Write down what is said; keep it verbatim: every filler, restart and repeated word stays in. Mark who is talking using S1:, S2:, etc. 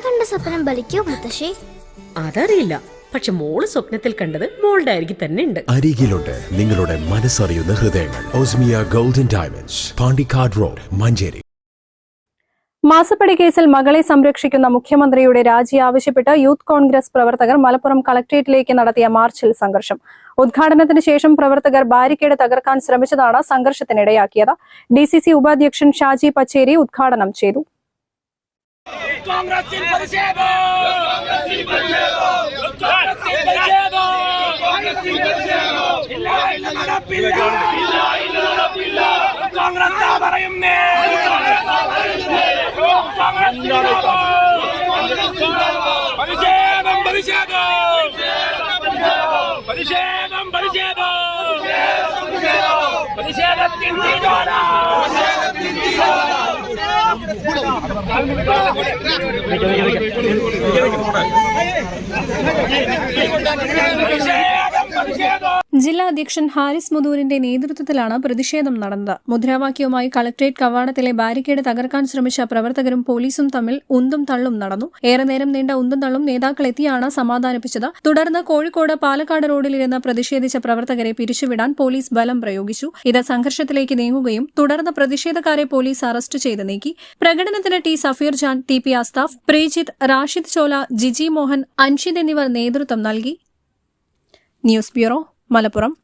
S1: കണ്ട സ്വപ്നം ബലിക്കോ മുത്തശ്ശി?
S2: അതറിയില്ല, പക്ഷെ മോള് സ്വപ്നത്തിൽ കണ്ടത് മോളുടെ അരികിൽ തന്നെ ഉണ്ട്.
S3: അരികിലുണ്ട് നിങ്ങളുടെ മനസ്സറിയുന്ന ഹൃദയങ്ങൾ. Osmia golden diamonds, Pandikkad road, Manjeri.
S4: മാസപ്പടി കേസിൽ മകളെ സംരക്ഷിക്കുന്ന മുഖ്യമന്ത്രിയുടെ രാജി ആവശ്യപ്പെട്ട് യൂത്ത് കോൺഗ്രസ് പ്രവർത്തകർ മലപ്പുറം കളക്ട്രേറ്റിലേക്ക് നടത്തിയ മാർച്ചിൽ സംഘർഷം. ഉദ്ഘാടനത്തിന് ശേഷം പ്രവർത്തകർ ബാരിക്കേഡ് തകർക്കാൻ ശ്രമിച്ചതാണ് സംഘർഷത്തിനിടയാക്കിയത്. ഡി സി സി ഉപാധ്യക്ഷൻ ഷാജി പച്ചേരി ഉദ്ഘാടനം ചെയ്തു. ജില്ലാ അധ്യക്ഷൻ ഹാരിസ് മുതൂരിന്റെ നേതൃത്വത്തിലാണ് പ്രതിഷേധം നടന്നത്. മുദ്രാവാക്യവുമായി കളക്ട്രേറ്റ് കവാടത്തിലെ ബാരിക്കേഡ് തകർക്കാൻ ശ്രമിച്ച പ്രവർത്തകരും പോലീസും തമ്മിൽ ഉന്തും തള്ളും നടന്നു. ഏറെ നേരം നീണ്ട ഉന്തും തള്ളും നേതാക്കളെത്തിയാണ് സമാധാനിപ്പിച്ചത്. തുടർന്ന് കോഴിക്കോട് പാലക്കാട് റോഡിലിരുന്ന് പ്രതിഷേധിച്ച പ്രവർത്തകരെ പിരിച്ചുവിടാൻ പോലീസ് ബലം പ്രയോഗിച്ചു. ഇത് സംഘർഷത്തിലേക്ക് നീങ്ങുകയും തുടർന്ന് പ്രതിഷേധക്കാരെ പോലീസ് അറസ്റ്റ് ചെയ്ത് നീക്കി. പ്രകടനത്തിന് T Safeer Jan, T P Asthaf, Preejith, Rashid Chola, Jiji Mohan, Anshid എന്നിവർ നേതൃത്വം നൽകി. News bureau, Malappuram.